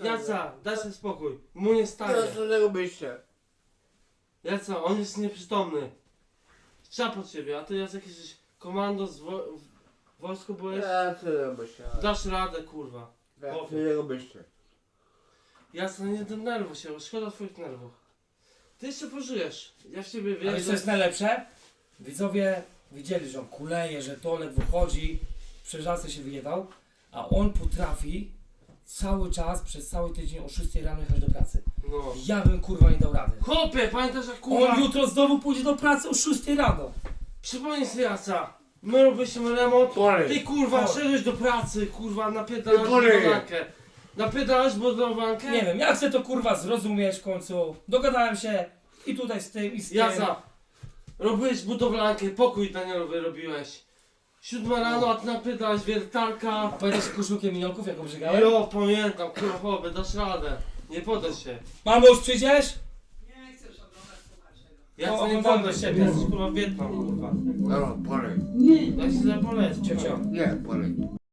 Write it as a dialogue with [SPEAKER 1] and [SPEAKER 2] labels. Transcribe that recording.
[SPEAKER 1] Jaca, daj sobie spokój. Mu nie stanie.
[SPEAKER 2] Teraz co robicie?
[SPEAKER 1] Jaca, on jest nieprzytomny. Trzeba po ciebie, a ty Jacek jesteś komando w wojsku byłeś?
[SPEAKER 2] Ja co robicie?
[SPEAKER 1] Dasz radę, kurwa.
[SPEAKER 2] Ja co robicie?
[SPEAKER 1] Jasne, nie denerwuj się, szkoda twoich nerwów. Ty jeszcze pożyjesz. Ja w ciebie
[SPEAKER 3] Ale
[SPEAKER 1] wierzę.
[SPEAKER 3] co jest najlepsze? Widzowie widzieli, że on kuleje, że to ledwo chodzi, przeżalce się wyjebał, a on potrafi cały czas, przez cały tydzień o 6 rano jechać do pracy.
[SPEAKER 1] No.
[SPEAKER 3] Ja bym kurwa nie dał rady.
[SPEAKER 1] Chłopie, pamiętasz jak kurwa...
[SPEAKER 3] On jutro znowu pójdzie do pracy o 6 rano.
[SPEAKER 1] Przypomnij sobie Jaca. My robiliśmy remont.
[SPEAKER 2] Polej.
[SPEAKER 1] Ty kurwa
[SPEAKER 3] Polej.
[SPEAKER 1] szedłeś do pracy, kurwa napierdalasz
[SPEAKER 2] Polej.
[SPEAKER 1] budowankę. Napierdalasz budowankę?
[SPEAKER 3] Nie wiem, ja chcę to kurwa zrozumieć w końcu. Dogadałem się i tutaj z tym i z tym.
[SPEAKER 1] Jaca. Robiłeś budowlankę, pokój Danielowy robiłeś. 7 rano, a ty napierdalasz wiertarka.
[SPEAKER 3] A pamiętasz koszulkę minionków, jaką brzegałem?
[SPEAKER 1] Jo, pamiętam, kurwa chłopie, dasz radę. Nie podaj się.
[SPEAKER 3] Mamo, już przyjdziesz?
[SPEAKER 4] Nie chcesz oglądać, słuchać tego.
[SPEAKER 1] Ja
[SPEAKER 3] No,
[SPEAKER 1] chcę nie
[SPEAKER 3] oglądam
[SPEAKER 1] podaj
[SPEAKER 3] do
[SPEAKER 1] się,
[SPEAKER 3] siebie.
[SPEAKER 1] jesteś kurwa Wietnam, kurwa.
[SPEAKER 2] No, polej.
[SPEAKER 1] Ja się zapoleć.
[SPEAKER 3] Cio, cio.
[SPEAKER 2] Nie, polej.